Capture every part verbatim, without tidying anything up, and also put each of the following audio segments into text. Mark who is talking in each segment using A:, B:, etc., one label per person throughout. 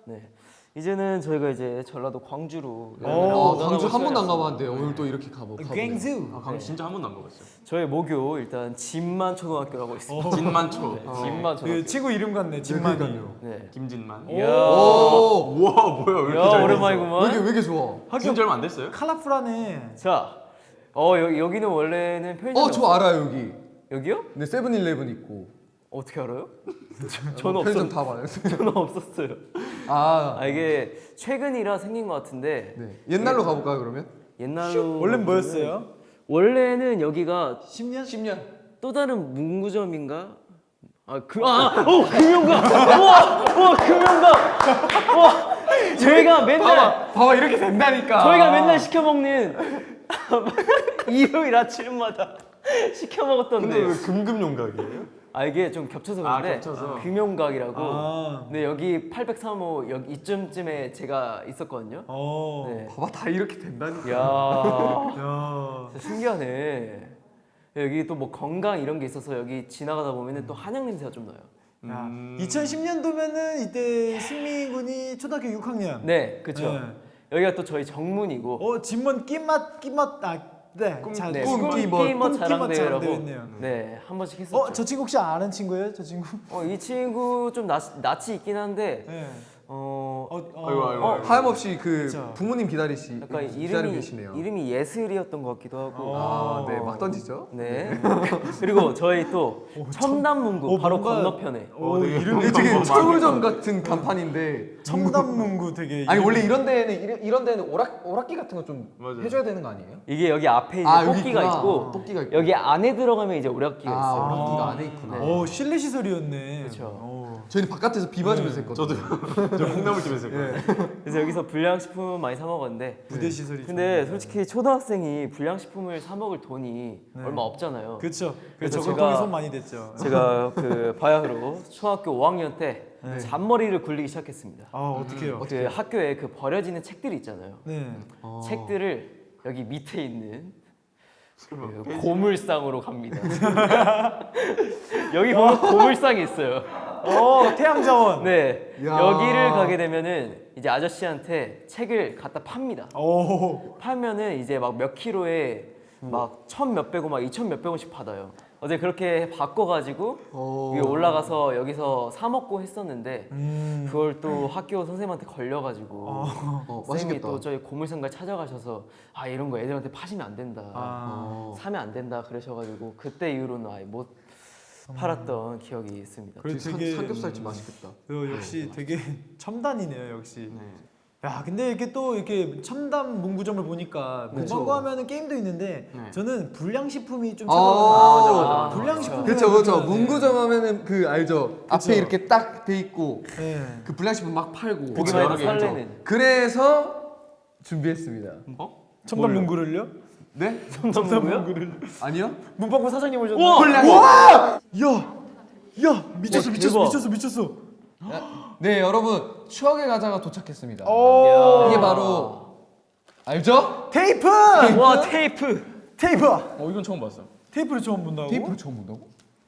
A: 네. 이제는 저희가 이제 전라도 광주로
B: 어, 광주 한 번도 안 가봤는데 오늘 또 이렇게 가보.
C: 광주.
D: 아, 광주 진짜 한 번도 안 가봤어요.
A: 저희 모교 일단 진만 초등학교라고 있습니다.
D: 진만초.
A: 네,
D: 어.
A: 진만 초등학교.
C: 그 친구 이름 같네. 진만이.
A: 네.
D: 김진만.
A: 이야.
B: 오.
D: 우와 뭐야 왜 이렇게
A: 야,
D: 잘
A: 오랜만이구만.
B: 왜 이렇게 왜 이렇게 좋아?
D: 학교 지 얼마 안 됐어요?
C: 컬러풀하네.
A: 자, 어 여, 여기는 원래는 편의점이
B: 어, 저 알아요 여기.
A: 여기요?
B: 네, 세븐일레븐 있고.
A: 어떻게 알아요? 저는
B: 편의점
A: 없었.
B: 다 봐요.
A: 저는 없었어요.
B: 아,
A: 아 이게 최근이라 생긴 것 같은데
B: 네. 옛날로 가볼까요 그러면?
A: 옛날로
C: 원래 뭐였어요?
A: 원래는 여기가
C: 십 년?
B: 십 년.
A: 또 다른 문구점인가? 아, 그, 아, 어, 금융가! 우와! 우와, 금융가! 우와! 저희가 맨날,
B: 봐봐, 봐봐 이렇게 된다니까.
A: 저희가 맨날 시켜먹는 일요일 아침마다 시켜먹었던데.
D: 근데 왜 금금용각이에요?
A: 아, 이게 좀 겹쳐서
D: 아,
A: 그런데,
D: 겹쳐서.
A: 금융각이라고.
C: 아.
A: 네, 여기 팔백삼 호, 여기 이쯤쯤에 제가 있었거든요.
C: 어.
A: 네.
B: 봐봐 다 이렇게 된다니까.
A: 이야,
C: 야.
A: 진짜 신기하네. 여기 또 뭐 건강 이런 게 있어서 여기 지나가다 보면은 또 한약 냄새가 좀 나요.
C: 야.
D: 음.
C: 이천십 년도면은 이때 승민 군이 초등학교 육 학년.
A: 네, 그쵸.
C: 네.
A: 여기가 또 저희 정문이고.
C: 어, 진문 끼맛 끼맛 아 네. 잘
A: 네,
B: 꿈,
A: 꿈
B: 끼멋,
A: 끼멋
C: 꿈,
A: 자랑대회라고.
C: 끼멋 자랑대회였네요.
A: 네, 한 번씩 했었죠.
C: 어, 저 친구 혹시 아는 친구예요? 저 친구?
A: 어, 이 친구 좀 낯, 낯이 있긴 한데
C: 네.
A: 어,
C: 어, 어.
D: 아이고 아이고.
A: 어,
D: 아이고.
B: 하염없이 그
C: 그쵸.
B: 부모님 기다리시
A: 약간
B: 기다리고
A: 이름이
B: 계시네요.
A: 이름이 예슬이었던 것 같기도 하고.
C: 어.
B: 아, 네, 막 던지죠.
A: 네. 그리고 저희 또 첨단문구
C: 어,
A: 바로
C: 뭔가-
A: 건너편에.
C: 오,
D: 어, 되게
C: 이름이
B: 이게 되게
D: 너무
B: 철물점 같은 간판인데.
C: 첨단문구 되게
B: 아니
C: 이름이-
B: 원래 이런 데는 이런, 이런 데는 오락 오락기 같은 거 좀
D: 맞아요.
B: 해줘야 되는 거 아니에요?
A: 이게 여기 앞에 이제
B: 아, 여기
A: 토끼가
B: 있구나.
A: 있고
B: 토끼가 있고.
A: 여기 안에 들어가면 이제 오락기가
B: 아,
A: 있어요.
B: 오락기가 안에 있구나.
A: 네.
C: 오, 실내 시설이었네.
A: 그쵸.
C: 오.
B: 저희는 바깥에서 비 맞으면서 했거든요.
D: 저도 저 콩나물집에서 했거든요.
A: 그래서 여기서 불량식품 많이 사 먹었는데
C: 부대 시설이.
A: 근데
C: 좋네.
A: 솔직히 초등학생이 불량식품을 사 먹을 돈이
C: 네.
A: 얼마 없잖아요.
C: 그쵸.
A: 그래서
C: 그래서
A: 제가-
C: 저금통에 손 많이 댔죠.
A: 제가 그 바야흐로 초등학교 오 학년 때
C: 네.
A: 잔머리를 굴리기 시작했습니다.
C: 아, 어떡해요?
A: 그 학교에 그 버려지는 책들이 있잖아요.
C: 네.
B: 어.
A: 책들을 여기 밑에 있는 그 고물상으로 갑니다. 여기 보면 고물상이 있어요.
C: 어, 태양자원.
A: 네,
B: 야.
A: 여기를 가게 되면은 이제 아저씨한테 책을 갖다 팝니다.
C: 오.
A: 팔면은 이제 막 몇 킬로에 막 천 몇백 원, 막 이천 몇백 원씩 받아요. 어제 그렇게 바꿔가지고
B: 어.
A: 위에 올라가서 여기서 사 먹고 했었는데
C: 음.
A: 그걸 또 학교 선생님한테 걸려가지고
B: 어,
A: 선생님이
B: 맛있겠다.
A: 또 저희 고물상가 찾아가셔서 아 이런 거 애들한테 파시면 안 된다,
C: 아.
A: 사면 안 된다 그러셔가지고 그때 이후로는 아예 못 팔았던 기억이 있습니다.
C: 그리고
B: 삼-
C: 되게
B: 삼겹살집 맛있겠다.
C: 그 역시 되게 첨단이네요, 역시.
D: 네.
C: 야, 근데 이렇게 또 이렇게 첨단 문구점을 보니까
B: 그쵸.
C: 문방구 하면은 게임도 있는데
D: 네.
C: 저는 불량식품이 좀
B: 아,
C: 찾아와요.
A: 맞아, 맞아.
C: 불량식품.
B: 그렇죠, 그렇죠. 문구점 하면은 그 알죠. 앞에 이렇게 딱 돼 있고
C: 네.
B: 그 불량식품 막 팔고.
A: 보기만
D: 여러
A: 해도
D: 개 있죠.
A: 설레는.
B: 그래서 준비했습니다.
D: 어?
C: 첨단 문구를요?
B: 네?
A: 첨단 문구요?
C: 문구를.
B: 아니요?
C: 문방구 사장님 오셨네.
A: 우와!
B: 불량.
C: 야! 야, 미쳤어,
A: 와,
C: 미쳤어,
A: 대박.
C: 미쳤어, 미쳤어.
B: 네, 여러분 추억의 과자가 도착했습니다.
C: 오!
B: 이게 바로 알죠?
C: 테이프!
A: 와 테이프.
C: 테이프!
D: 어 이건 처음 봤어.
C: 테이프를 처음 본다고?
B: 테이프를 처음 본다고?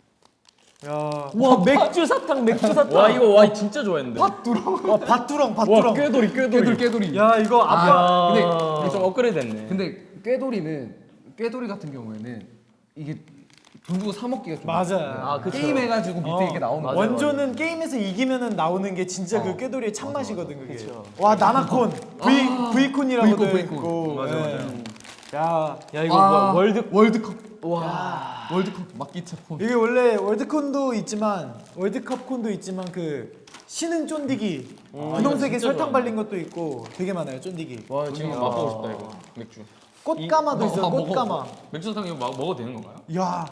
C: 야.
A: 와 맥주 사탕, 맥주 사탕.
D: 와 이거 와 진짜 좋아했는데.
B: 팥두렁.
C: 와, 밭두렁, 밭두렁.
D: 꾀돌이 꾀돌이.
B: 깨돌 깨돌이.
C: 야, 이거 아빠.
B: 아, 근데
D: 이거 좀 업그레이드 됐네.
B: 근데 꾀돌이는 꾀돌이 같은 경우에는 이게 돈 주고 사 먹기가 좀
C: 맞아요.
A: 아, 그쵸.
B: 게임 해가지고 밑에
C: 어,
B: 이렇게 나오는
A: 맞아요,
B: 거.
C: 원조는 게임에서 이기면은 나오는 게 진짜
B: 어.
C: 그 꾀돌이의 참맛이거든, 그게.
A: 그쵸.
C: 와, 나나콘. V, V콘이라고도
B: V콘,
C: 있고.
B: V콘.
D: 맞아,
C: 예.
D: 맞아.
C: 야,
A: 야 이거
B: 아,
A: 뭐야, 월드.
B: 월드컵. 와. 월드컵 막기차 폰.
C: 이게 원래 월드콘도 있지만 월드컵콘도 있지만 그 신흥 쫀디기 분홍색에
D: 진짜
C: 설탕
D: 좋아하네.
C: 발린 것도 있고 되게 많아요, 쫀디기.
D: 와 지금 맛보고 싶다 이거 맥주.
C: 꽃가마도 있어요,
B: 아, 먹어.
C: 꽃가마.
D: 맥주 사탕 이거 막 먹어도 되는 건가요?
C: 야,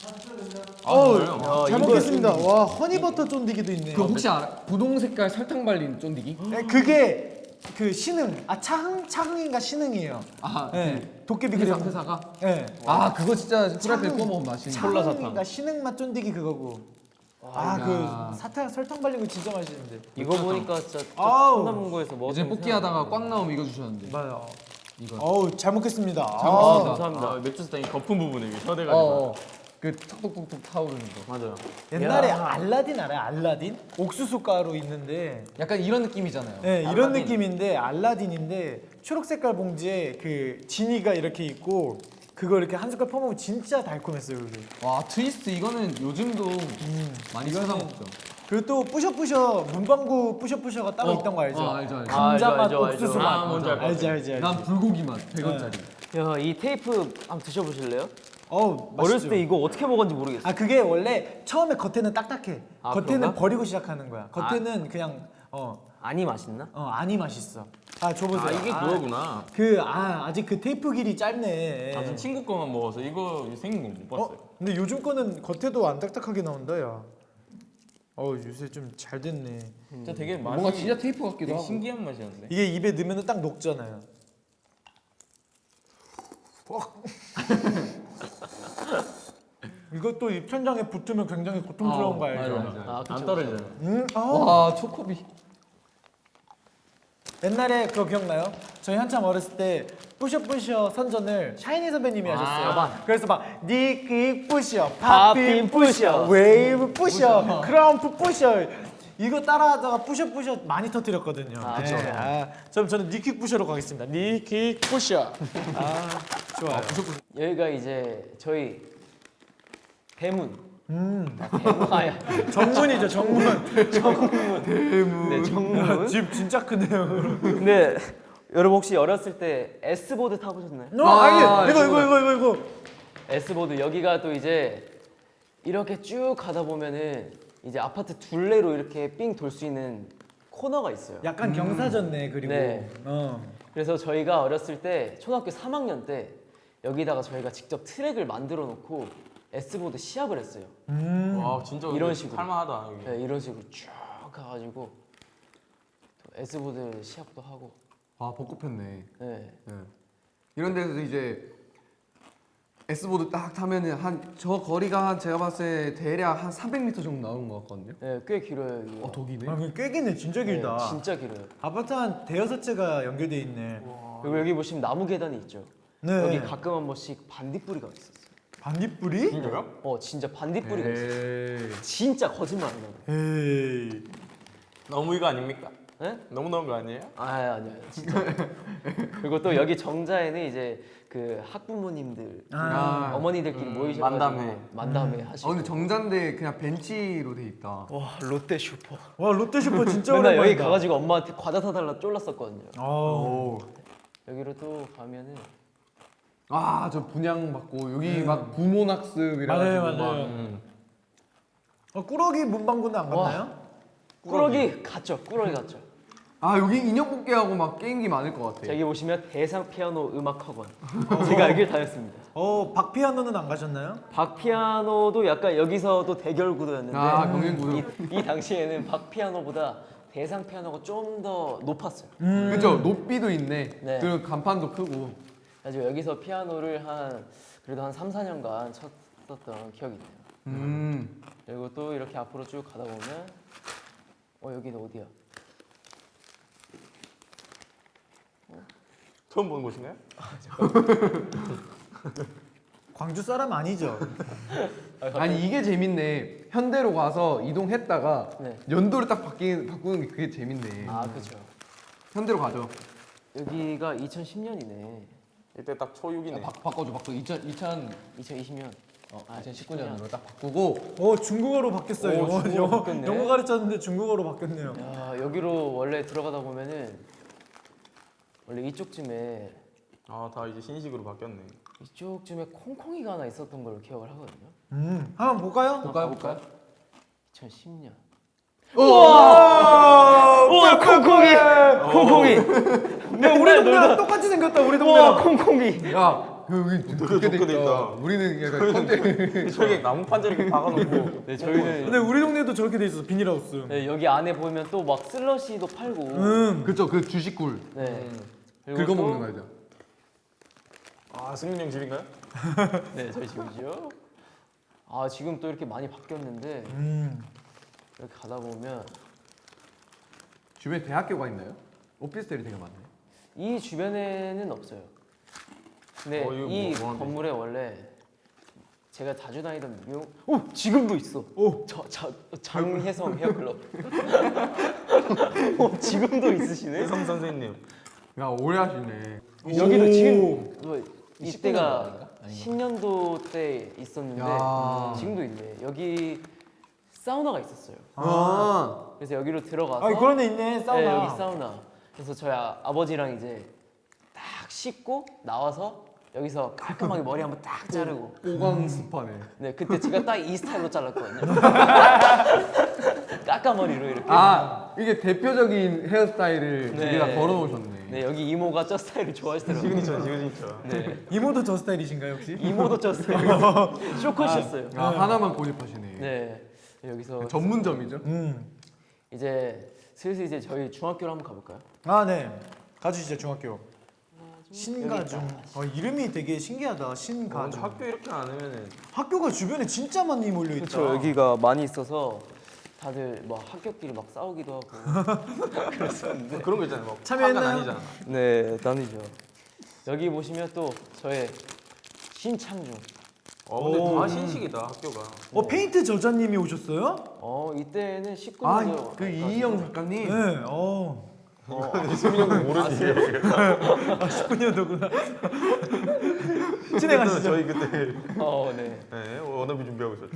D: 아
C: 어우,
D: 정말요?
C: 잘
A: 이거
C: 먹겠습니다. 와, 허니버터 쫀디기도 있네.
B: 그 혹시 알아? 분홍 색깔 설탕 발린 쫀디기?
C: 네, 그게 그 신흥, 아 차흥, 차흥인가 신흥이에요.
B: 아,
C: 네, 도깨비
B: 그
C: 그
B: 회사가?
C: 네.
B: 아, 그거 진짜 후라이팬
C: 차흥.
B: 구워 먹으면 맛있는.
D: 콜라 사탕.
C: 차흥인가 신흥 맛 쫀디기 그거고. 아,
B: 야.
C: 그 사탕 설탕 발린 거 진짜 맛있는데.
A: 이거 보니까 진짜
C: 아우.
A: 첨단문구에서 뭐
B: 이제 뽑기 하다가 꽉 나오면 이거 주셨는데.
C: 맞아.
B: 이거.
C: 어우, 잘 먹겠습니다.
B: 잘
A: 아
B: 먹겠습니다.
A: 감사합니다.
D: 아 맥주 사탕이 거품 부분에 이게
B: 어,
D: 혀대가지고.
B: 어. 그 톡톡톡톡 타오르는 거.
D: 맞아요.
C: 옛날에
A: 야.
C: 알라딘 알아요? 알라딘? 옥수수 가루 있는데
B: 약간 이런 느낌이잖아요.
C: 네, 이런
A: 알라딘.
C: 느낌인데 알라딘인데 초록 색깔 봉지에 그 지니가 이렇게 있고 그거 이렇게 한 숟갈 퍼먹으면 진짜 달콤했어요. 그게.
B: 와 트위스트 이거는 요즘도 많이 찾아 먹죠.
C: 그리고 또 뿌셔뿌셔 문방구 뿌셔뿌셔가 따로 있던 거 알죠?
B: 어, 알죠, 알죠.
C: 감자
A: 알죠,
C: 맛,
A: 알죠,
C: 옥수수
A: 알죠.
C: 맛.
D: 아, 뭔지 알 것
C: 알지 알지 알지.
B: 난 불고기 맛 백 원짜리.
A: 야, 이 테이프 한번 드셔보실래요?
C: 어,
A: 어렸을 때 이거 어떻게 먹었는지 모르겠어.
C: 아 그게 원래 처음에 겉에는 딱딱해.
A: 아,
C: 겉에는
A: 그런가?
C: 버리고 시작하는 거야. 겉에는 그냥 어,
A: 아니 맛있나?
C: 어 안이 맛있어. 아 줘보세요.
D: 아 이게 그거구나.
C: 그아 아직 그 테이프 길이 짧네.
D: 아, 전 친구 거만 먹어서 이거 생긴 거 못 봤어요.
C: 어? 근데 요즘 거는 겉에도 안 딱딱하게 나온다 야. 어 요새 좀 잘 됐네.
D: 진짜 되게 맛이
B: 뭔가 진짜 테이프 같기도
D: 되게
B: 하고.
D: 신기한 맛이었는데.
C: 이게 입에 넣으면 딱 녹잖아요. 이것도 입천장에 붙으면 굉장히 고통스러운 거 알죠?
B: 맞아, 맞아.
A: 아, 그쵸,
D: 안 떨어져요.
C: 음, 아.
B: 와 초코비.
C: 옛날에 그거 기억나요? 저희 한참 어렸을 때 뿌셔뿌셔 선전을 샤이니 선배님이 하셨어요.
A: 맞아.
C: 그래서 막 니킥 뿌셔,
A: 팝핀
C: 팝핀
A: 뿌셔.
C: 뿌셔, 웨이브 뿌셔, 크럼프 뿌셔. 이거 따라하다가 뿌셔뿌셔 많이 터뜨렸거든요.
A: 아,
C: 네.
A: 그쵸.
C: 아, 그럼 저는 니킥 뿌셔로 가겠습니다. 니킥 뿌셔. 아, 좋아요.
A: 여기가 이제 저희 대문.
C: 음,
A: 대문아야.
C: 정문이죠, 정문.
A: 네, 정문.
C: 집 진짜 크네요.
A: 근데 여러분 혹시 어렸을 때 S보드 타보셨나요?
C: 어,
B: 아,
C: 아니, 이거 이거 이거 이거 이거.
A: S보드 여기가 또 이제 이렇게 쭉 가다 보면은 이제 아파트 둘레로 이렇게 삥 돌 수 있는 코너가 있어요.
C: 약간 경사졌네 그리고.
A: 네.
C: 어.
A: 그래서 저희가 어렸을 때 초등학교 삼 학년 때 여기다가 저희가 직접 트랙을 만들어 놓고 S보드 시합을 했어요.
C: 음.
D: 와 진짜
A: 이런
D: 이런
A: 식으로.
D: 할만하다 여기.
A: 네, 이런 식으로 쭉 가가지고 또 S보드 시합도 하고.
B: 와 벚꽃 폈네.
A: 네.
B: 네. 이런 데서 이제 S보드 딱 타면은 한 저 거리가 한 제가 봤을 때 대략 한 삼백 미터 정도 나오는 것 같거든요.
A: 네, 꽤 길어요. 여기가.
B: 어, 더 기네.
C: 아, 그꽤 기네. 진짜 길다.
A: 네, 진짜 길어요.
C: 아파트 한 대여섯 채가 연결돼 있네.
A: 그리고 여기 보시면 나무 계단이 있죠.
C: 네.
A: 여기 가끔 한 번씩 반딧불이가 있었어요.
C: 반딧불이?
D: 진짜요?
A: 어, 진짜 반딧불이가
B: 네.
A: 있어요.
B: 에이.
A: 진짜 거짓말 안 하고.
C: 에이.
D: 너무 이거 아닙니까?
A: 네?
D: 너무 너무 거 아니에요?
A: 아, 아니요, 진짜. 그리고 또 여기 정자에는 이제 그 학부모님들,
C: 아.
A: 어머니들끼리
D: 음,
A: 모이셔가지고
D: 만담회.
A: 만담회
B: 아
A: 하시고.
B: 근데 정자인데 그냥 벤치로 돼 있다.
A: 와, 롯데 슈퍼.
C: 와 롯데슈퍼 진짜
A: 맨날
C: 오랜만이다.
A: 여기 가가지고 엄마한테 과자 사달라 쫄랐었거든요.
C: 어.
A: 여기로 또 가면은
B: 아저 분양 받고 여기 막 부모 낙습 이래가지고
C: 맞아요,
B: 막
C: 맞아요.
D: 음.
C: 어, 꾸러기 문방구는 안
A: 와.
C: 갔나요?
A: 꾸러기 갔죠. 꾸러기 갔죠.
B: 아 여기 인형 뽑기하고 막 게임기 많을 것 같아.
A: 자, 여기 보시면 대상 피아노 음악 학원. 제가 여기를 다녔습니다.
C: 어 박피아노는 안 가셨나요?
A: 박피아노도 약간 여기서도 대결 구도였는데
B: 아 경쟁 구도.
A: 이, 이 당시에는 박피아노보다 대상 피아노가 좀 더 높았어요.
B: 그죠 높이도 있네.
A: 네.
B: 그리고 간판도 크고.
A: 그래서 여기서 피아노를 한 그래도 한 삼, 사 년간 쳤었던 기억이 있네요.
B: 음.
A: 그리고 또 이렇게 앞으로 쭉 가다 보면 어 여기는 어디야?
D: 처음 보는 곳인가요?
C: 광주 사람 아니죠?
B: 아니 이게 재밌네. 현대로 가서 이동했다가
A: 네.
B: 연도를 딱 바뀌, 바꾸는 게 그게 재밌네.
A: 아 그렇죠.
B: 현대로 가죠.
A: 여기가 이천십 년이네.
D: 이때 딱 초육이네.
B: 바, 바꿔줘 바꿔. 이천 이천
A: 이천이십 년.
B: 어,
A: 아,
B: 이천십구 년으로 딱 바꾸고.
C: 어 중국어로 바뀌었어요.
A: 오,
C: 영어,
A: 중국어로
C: 영어,
A: 바뀌었네.
C: 영어 가르쳤는데 중국어로 바뀌었네요.
A: 야 여기로 원래 들어가다 보면은 원래 이쪽쯤에
D: 아다 이제 신식으로 바뀌었네.
A: 이쪽쯤에 콩콩이가 하나 있었던 걸로 기억을 하거든요.
C: 음 한번 볼까요?
B: 볼까요 볼까요?
A: 이천십 년.
C: 우와!
A: 우와 콩콩이! 콩콩이!
C: 야, 우리 동네랑 똑같이 생겼다 우리
A: 우와
C: 동네랑.
A: 콩콩이!
B: 야 여기 좋게 돼
D: 좋게 돼
B: 있다.
D: 있다.
B: 우리는 약간 현대.
D: 저기 나무 판자리 이렇게 박아놓고.
A: 네 저희는
C: 근데 우리 동네도 저렇게 돼 있어 비닐하우스.
A: 네, 여기 안에 보면 또 막 슬러시도 팔고.
C: 음.
B: 그쵸 그 주식굴.
A: 네. 그리고
B: 긁어
A: 또-
B: 먹는 거죠.
D: 아 승민 형 집인가요?
A: 네 저희 집이죠. 아 지금 또 이렇게 많이 바뀌었는데
C: 음.
A: 이렇게 가다 보면
B: 주변에 대학교가 있나요? 오피스텔이 되게 많네.
A: 이 주변에는 없어요. 근데
D: 어, 이거
A: 이
D: 뭐- 뭐 하는데?
A: 건물에 원래 제가 자주 다니던 미용. 오 지금도 있어.
C: 오.
A: 저, 저 장혜성 헤어클럽. 오 지금도 있으시네.
D: 혜성 선생님.
B: 야 오래 하시네.
A: 여기도
C: 오.
A: 지금 뭐
E: 이십구 년도
A: 이때가
E: 아닌가? 아닌가?
A: 십 년도 때 있었는데
B: 야.
A: 지금도 있네. 여기 사우나가 있었어요.
B: 아.
A: 그래서 여기로 들어가서
C: 아 그런 데 있네 사우나.
A: 네, 여기 사우나. 그래서 저희 아, 아버지랑 이제 딱 씻고 나와서 여기서 깔끔하게 머리 한번 딱 자르고.
B: 오광 스파네.
A: 네, 그때 제가 딱 이 스타일로 잘랐거든요. 까까머리로 이렇게.
B: 아 이게 대표적인 헤어스타일을
A: 네.
B: 여기다 걸어놓으셨네.
A: 네, 여기 이모가 저 스타일을 좋아하시더라고요.
D: 시그니처 시그니처.
A: 네,
C: 이모도 저 스타일이신가요 혹시?
A: 이모도 저 스타일. 쇼컷이었어요.
B: 아 하나만 고집하시네.
A: 네, 여기서
B: 전문점이죠.
C: 음.
A: 이제 슬슬 이제 저희 중학교로 한번 가볼까요?
C: 아 네. 가주시죠 중학교.
A: 여기
C: 신가중.
A: 있다.
C: 어, 이름이 되게 신기하다.
D: 먼저
C: 신가중.
D: 학교 이렇게 안 하면은
C: 학교가 주변에 진짜 많이 몰려 있다.
A: 그렇죠. 여기가 많이 있어서 다들 뭐 학교끼리 막 싸우기도 하고.
D: 그런 거 있잖아요. 막
C: 참여했나요?
D: 파가 나뉘잖아.
A: 네, 나뉘죠. 여기 보시면 또 저의 신창중.
D: 어 근데
C: 오.
D: 다 신식이다 학교가.
C: 어 페인트 저자님이 오셨어요?
A: 어, 이때는 십구 년도.
B: 아그 이희영 작가님.
C: 네. 어.
D: 수민이 형도 모르지.
C: 아 십구 년도구나. 진행하시죠.
D: 저희 그때
A: 어, 네.
D: 네, 워너비 준비하고 있었죠.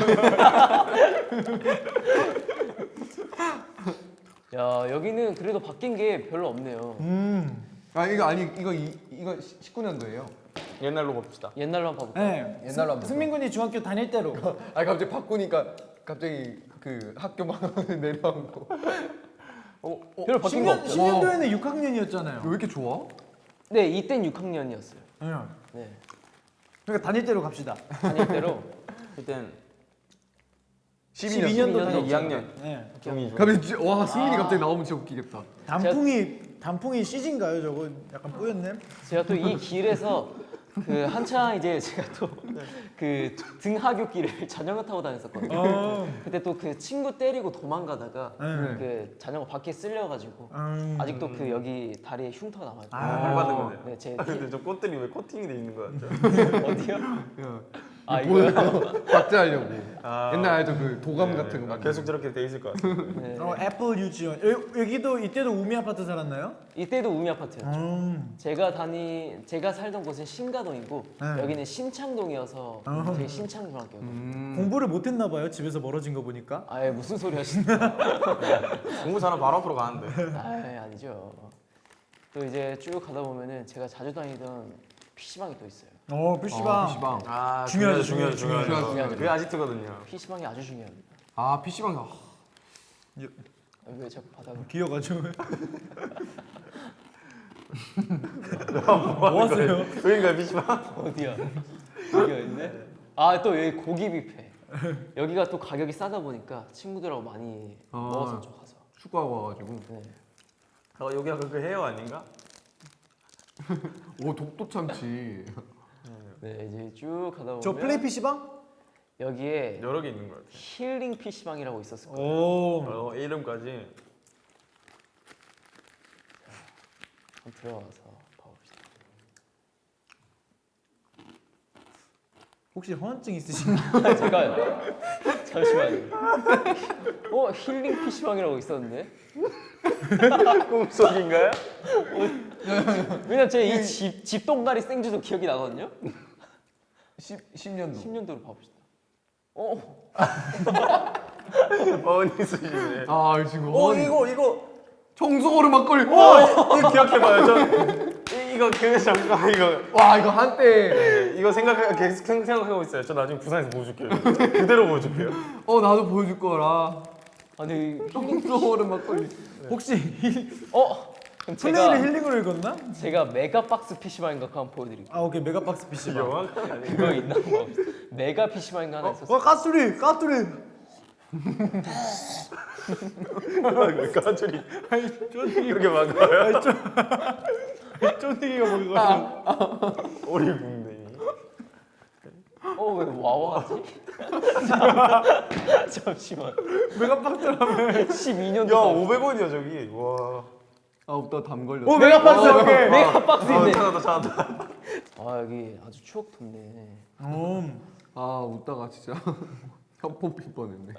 A: 야, 여기는 그래도 바뀐 게 별로 없네요.
C: 음.
B: 아 이거 아니 이거 이, 이거 십구 년도예요.
D: 옛날로 봅시다.
A: 옛날로 한번 봐볼까요?
C: 네.
E: 옛날로 한번
C: 승민 군이 중학교 다닐 때로.
B: 아 갑자기 바꾸니까 갑자기 그 학교 방을 내려앉고.
D: 어, 어,
A: 별로 바뀐 거
C: 십 년,
A: 없죠?
C: 십 년도에는 육 학년이었잖아요.
B: 왜 이렇게 좋아?
A: 네, 이땐 육 학년이었어요.
C: 네.
A: 네.
C: 그러니까 다닐 때로 갑시다.
A: 다닐 때로
D: 그땐
C: 십이 년도
A: 년도
D: 이 학년.
C: 네.
D: 경이 중.
B: 갑자기 지- 와 승민이 갑자기 나오면 진짜 웃기겠다.
C: 단풍이 단풍이 씨진가요? 저거 약간 뿌였네.
A: 제가 또 이 길에서 그 한창 이제 제가 또 그 등하굣길을 자전거 타고 다녔었거든요.
C: 어.
A: 그때 또 그 친구 때리고 도망가다가
C: 네.
A: 그 자전거 바퀴 쓸려가지고
C: 음.
A: 아직도 그 여기 다리에 흉터가 남아요.
C: 아.
D: 발 받은 거네.
A: 네, 제
D: 아, 근데 저 꽃들이 왜 코팅이 돼 있는 거야?
A: 어디요?
B: 야,
A: 아 이거요?
B: 박제하려고.
D: 아.
B: 옛날 알죠 그 도감 같은 거.
D: 아, 계속 저렇게 돼 있을 것 같아.
A: 네.
C: 어, 애플 유치원. 여, 여기도 이때도 우미 아파트 살았나요?
A: 이때도 우미 아파트였죠.
C: 음.
A: 제가 다니 제가 살던 곳은 신가동이고
C: 네.
A: 여기는 신창동이어서
C: 어.
A: 되게 신창중학교고.
B: 음.
C: 공부를 못했나 봐요. 집에서 멀어진 거 보니까.
A: 아예 무슨 소리 하시는?
D: 공부 잘하면 바로 앞으로 가는데.
A: 아 아니죠. 또 이제 쭉 가다 보면은 제가 자주 다니던 피시방이 또 있어요.
C: 어, 피시방.
B: 아, 피시방.
D: 아
C: 중요하죠,
D: 중요하죠,
C: 중요하죠.
D: 중요하죠.
A: 중요하죠.
D: 그게 아지트거든요.
A: 피시방이 아주 중요합니다.
B: 아 피시방. 아,
A: 아, 왜 자꾸 바닥을?
C: 기어가지고. 뭐 하세요?
D: 여긴가요 피시방?
A: 어디야? 여기가 있네. 아 또 여기 고기 뷔페. 여기가 또 가격이 싸다 보니까 친구들하고 많이
B: 아.
A: 먹었었죠 가서.
B: 축구하고 와가지고.
A: 네.
D: 어, 여기가 그 헤어 아닌가?
B: 오 독도 참치.
A: 네 이제 쭉 가다 보면
C: 저 플레이 피시방?
A: 여기에
D: 여러 개 있는 것 같아.
A: 힐링 피시방이라고 있었을 거예요.
C: 오.
D: 어, 이름까지.
A: 한번 들어가서 봐봅시다.
C: 혹시 허언증 있으신가요?
A: 제가요. 잠시만요. 어 힐링 피시방이라고 있었는데.
D: 꿈속인가요?
A: 왜냐면 제가 이 집 집동가리 생주도 기억이 나거든요.
B: 십 년도.
A: 십 년도로 봐봅시다. 어
D: 어머니 쓰시네.
B: 아 지금.
D: 어 이거 이거
B: 청소오르 막걸리.
D: 이거 기억해봐요. 저 이- 이거 그 잠깐 이거
B: 와 이거 한때.
D: 이거 생각 계속 생- 생각하고 있어요. 저 나중에 부산에서 보여줄게요. 그대로 보여줄게요.
B: 어 나도 보여줄 거라.
A: 아니
B: 청소오르 막걸리.
C: 혹시
A: 어 그럼
C: 플레이를
A: 제가
C: 힐링으로 읽었나?
A: 제가 메가박스 피시방인가 그거 한번 보여드릴게요.
C: 아 오케이 메가박스 피시방.
D: 영화가 아니에요.
A: 그거 있나 봐. 메가 피시방인가 하나 있었어.
C: 와 까투리 까투리.
D: 까줄이
C: 아니 쫀디기
D: 이렇게 막아요.
C: 아니 쫀 쫀디기가 뭐가?
D: 오리 붕대.
A: 어왜 와와하지? 잠시만.
C: 메가박스라며.
A: 십이 년도.
D: 야 오백 원이야 저기. 와.
B: 아나담 걸렸어.
C: 오 메가박스
A: 어,
C: 오케이.
A: 메가박스
D: 아,
A: 있네.
D: 찾았다 찾았다.
A: 아 여기 아주 추억 돋네.
C: 음.
B: 아 웃다가 진짜 혀폰 필 뻔했네.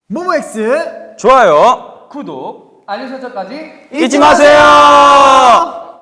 C: 모모엑스
D: 좋아요.
A: 구독
B: 알림 설정까지
D: 잊지 마세요.